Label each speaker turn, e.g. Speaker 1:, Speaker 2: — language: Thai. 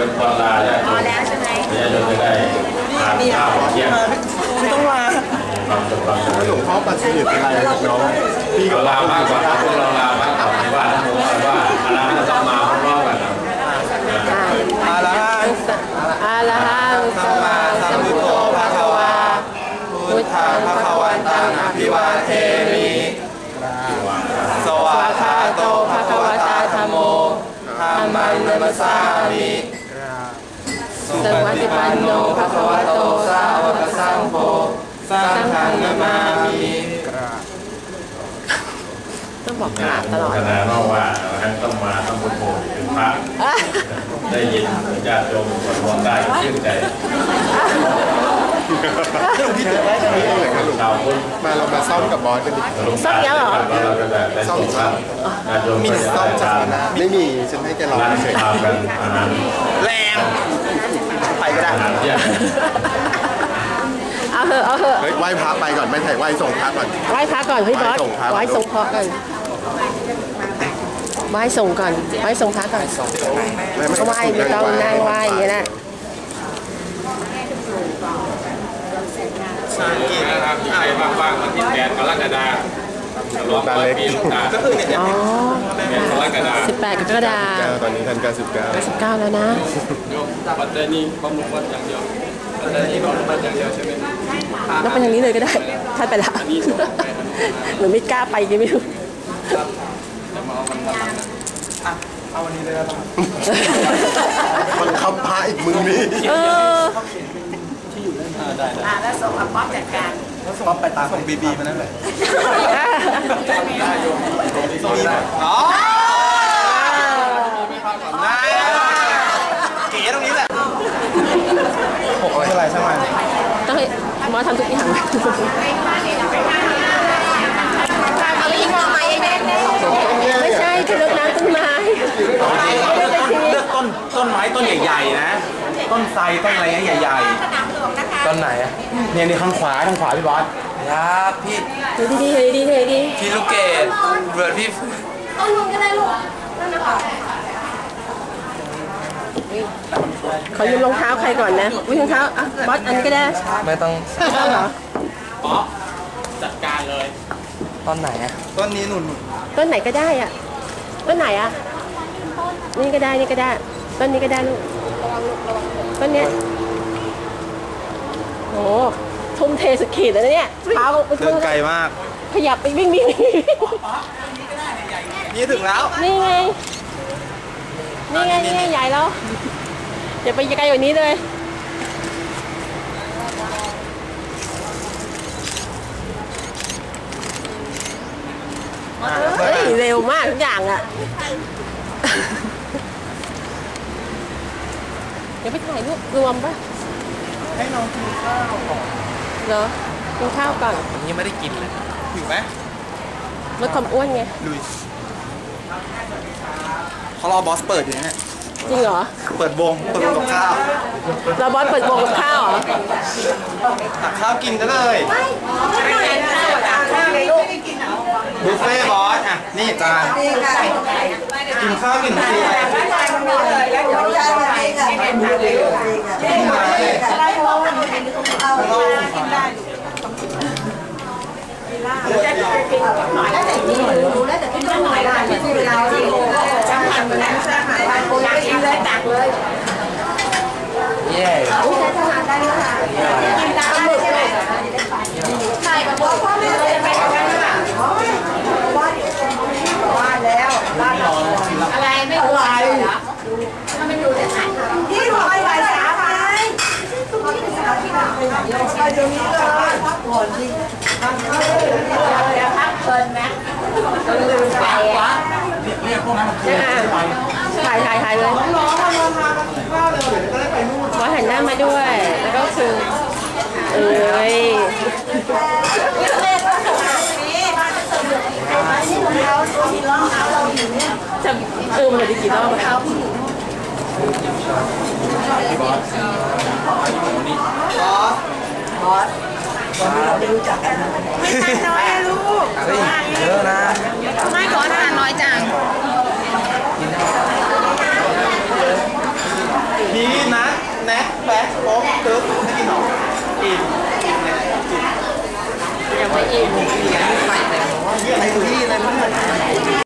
Speaker 1: เป็นวันลาเนี่ยพอแล้วใช่ไหมเนี่ยเราจะได้ทานข้าวเที่ยง
Speaker 2: ไม่ต้องลาหลวงพ่อปัจจุบันเป็นอะไรน้องพี่ก็
Speaker 1: ลามากกว่าพวกเราลามากกว่าว่าคณะจะมาพร้อมกัน
Speaker 2: อาลาหังสัมมาสัมพุทโธภะคะวาพุทธังภะคะวันตังอภิวาเทมิสวากขาโตภะคะวตาธัมโมธัมมังนัมสสามิสุปฏิปันโนภะคะวะโตสาวกสังโฆสังฆังนามามิ
Speaker 3: ต้องบอกกราบตลอด
Speaker 1: คณะนอกว่าท่านต้องมาทำบุญโภคเป็นพระได้ยินญาติโยมสวดมนต์ได้ชื่นใจ
Speaker 2: มาเรามาซ่อมกับบอสกันดิ
Speaker 3: ซ่อมยังเหรอ
Speaker 1: ซ่อม
Speaker 2: มีซ่อมจากนะไม่มีฉันให้แกลองเฉยแรงไปก็ได้
Speaker 3: เอาเถอะ
Speaker 2: ไหว้พระไปก่อนไม่ถ่ายไหว้ส่งพระก่อน
Speaker 3: ไหว้พระก่อนพี่บอสไหว้ส่งพระก่อนไหว้ส่งก่อนไหว้ส่งพระก่อนก็ไหว้ไม่ต้องนั่งไหว้อย่างนี้นะ
Speaker 1: นะครับใครว่างๆวันที่8 กรกฎาคม
Speaker 2: ตาเล็ก
Speaker 3: ก็คือเนี่ย
Speaker 1: 8 กรกฎาคม
Speaker 3: 18 กรกฎาคม
Speaker 2: ตอนนี้ท่าน
Speaker 3: 19แล้วนะ
Speaker 1: ปัตตานีบำรุงวัดอย่างเดียวปัตตานีบำรุงวัดอย่างเดียวใช่ไหม
Speaker 3: แล้วเป็นอย่างนี้เลยก็ได้ท่านไปละหรือไม่กล้าไปยังไม่รู้
Speaker 2: เอาวันนี้เลยครับมันคำพาอีกมึงนี่ที่อยู่เล่นได้
Speaker 4: แล้วส่งป๊อปจัดการ
Speaker 2: ป๊อปไปตามส่งบีมานั่นแหละอ๋อเก๋ตรงนี้แหละ6อะไรใช่ไหม
Speaker 3: ต้องให้บอสทำทุกอย่างไม่ใช่คือเลือกน้ำต้นไม้
Speaker 2: เลือกต้นไม้ต้นใหญ่ๆนะต้นไทรต้นอะไรใหญ่ๆต้นไหนอ่ะเนี่ยข้างขวาพี่บอส
Speaker 5: ครับพี่
Speaker 3: ดี
Speaker 5: พี่ลูกเกดเบิร์ดพี่
Speaker 4: ต้นนู้นก็ได้ลูกนั่นนะคะ
Speaker 3: ขอยืมรองเท้าใครก่อนนะวิ่งรองเท้าอ่ะบอสอันนี้ก็ได้
Speaker 5: ไม่ต้อง
Speaker 3: เหรอ
Speaker 1: ป๊อปจัดการเลย
Speaker 5: ต้นไหนอ่ะ
Speaker 2: ต้นนี้หนุน
Speaker 3: ต้นไหนก็ได้อ่ะต้นไหนอ่ะนี่ก็ได้ต้นนี้ก็ได้ลูกต้นเนี้ยโอ้ทุ่มเทสุดขีดเลยเนี่ยเท้า
Speaker 2: เดินไกลมาก
Speaker 3: ขยับไปวิ่ง
Speaker 2: นี่ถึงแล้ว
Speaker 3: นี่ไงใหญ่แล้วอย่าไปไกลกว่านี้เลยเฮ้ยเร็วมากทุกอย่างอ่ะเดี๋ยวไปถ่ายรูปรวมป่ะ
Speaker 2: ให้น้องกินข้าวก่อน
Speaker 3: เหรอกินข้าวก่อน
Speaker 5: ยังไม่ได้กินเลย
Speaker 2: หิวไหม
Speaker 3: ลดความอ้วนไง
Speaker 2: ลุยเขารอบอสเปิดอยู่เนี่ย
Speaker 3: จริงเหรอ
Speaker 2: เปิดวงกับข้าว
Speaker 3: เราบอสเปิดวงกับข้าวเหรอ
Speaker 2: ตักข้าวกินกันเลยบุฟเฟ่บอสอ่ะนี่จานกินข้าวกินฟรี
Speaker 4: รู้แล้วแต่ที่ต้องหน่อยละที่เวลาที่จะทำแล้วจะหาไปโอ้ยกินเลยตักเลย
Speaker 5: เย่
Speaker 4: อุ้ยจะทานได้แล้วค่ะกินได้เลยใช่แบบพ่อไม่เคยไปกันค่ะว่าแล้วอะไรไม่รู้อะไรถ้าไม่ดูจะถ่ายนี่พอไปสาไปไปตรงนี้เลยพักผ่อนดิพักเพลินไหมลืมไปอ่ะ
Speaker 3: ถ่ายเลยขอหันหน้ามาด้วยแล้วก็คือมันจะกี่รอบ
Speaker 2: บอสเราไม่รู้จักกัน
Speaker 4: ไม่ทานน้อยลูก
Speaker 5: เยอะนะ
Speaker 4: ไม่ขอทานน้อยจัง
Speaker 2: พี่ม็กแบ๊กโป๊กตึ๊บไม่กินหรออิ่ม
Speaker 3: ยังไม่อิ่ม
Speaker 2: นี่ไง